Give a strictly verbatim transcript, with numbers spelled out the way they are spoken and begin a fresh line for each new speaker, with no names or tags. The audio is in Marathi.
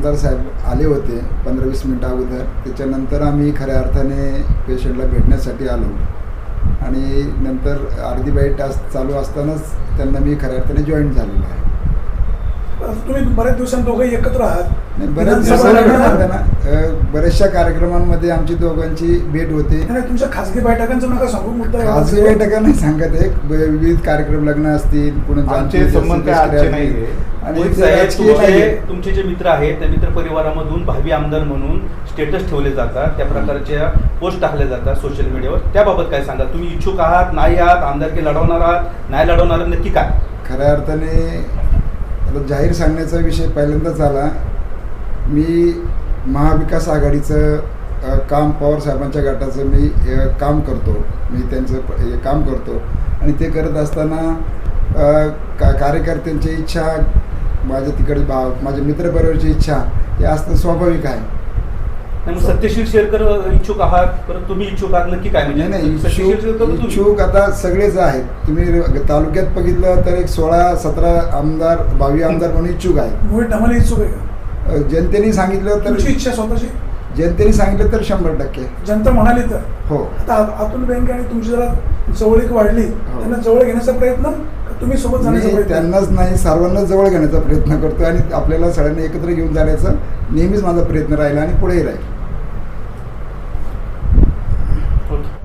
आमदार साहेब आले होते पंधरा वीस मिनटं अगोदर. त्याच्यानंतर आम्ही खऱ्या अर्थाने पेशंटला भेटण्यासाठी आलो आणि नंतर अर्धी बाईट तास चालू असतानाच त्यांना मी खऱ्या अर्थाने जॉईन झालेलो आहे.
तुम्ही बऱ्याच दिवसांत दोघंही एकत्र आहात.
नाही, बऱ्याच दिवसांना बऱ्याचशा कार्यक्रमांमध्ये आमची दोघांची भेट होते.
तुमच्या खासगी बैठकांचं नका सांगू, मुद्दा
खासगी बैठका नाही सांगत आहे, विविध कार्यक्रम लग्न असतील
आमचे संबंध आणि तुमचे जे मित्र आहेत त्या मित्र परिवारामधून भावी आमदार म्हणून स्टेटस ठेवले जातात, त्या प्रकारच्या पोस्ट टाकल्या जातात सोशल मीडियावर. त्याबाबत काय सांगा? तुम्ही इच्छुक आहात, नाही आहात, आमदारकी लढवणार आहात, नाही लढवणार, नक्की काय?
खऱ्या अर्थाने आता जाहीर सांगण्याचा विषय पहिल्यांदाच आला. मी महाविकास आघाडीचं काम, पवार साहेबांच्या गटाचं मी काम करतो, मी त्यांचं काम करतो आणि ते करत असताना का कार्यकर्त्यांची इच्छा, माझ्या तिकडे भाव, माझ्या मित्रपरिवाराची इच्छा हे असणं स्वाभाविक आहे.
मग सत्यशील शेरकर इच्छुक आहात, परत तुम्ही इच्छुक आहात, नक्की काय? म्हणजे
नाही इच्छुक इच्छुक आता सगळेच आहेत. तुम्ही तालुक्यात बघितलं तर एक सोळा सतरा आमदार, भावी आमदार म्हणून इच्छुक आहे.
इच्छुक आहे.
जनतेने सांगितलं तर
इच्छा स्वतःची,
जनतेने सांगितलं तर शंभर टक्के
जनता म्हणाली तर
हो.
आता अतुल बेनके आणि तुमची जरा जवळीक वाढली, त्यांना जवळ घेण्याचा प्रयत्न तुम्ही सोबत जाण्याचा प्रयत्न?
त्यांनाच नाही, सर्वांनाच जवळ घेण्याचा प्रयत्न करतो आणि आपल्याला सगळ्यांना एकत्र घेऊन जाण्याचा नेहमीच माझा प्रयत्न राहिला आणि पुढेही राहील.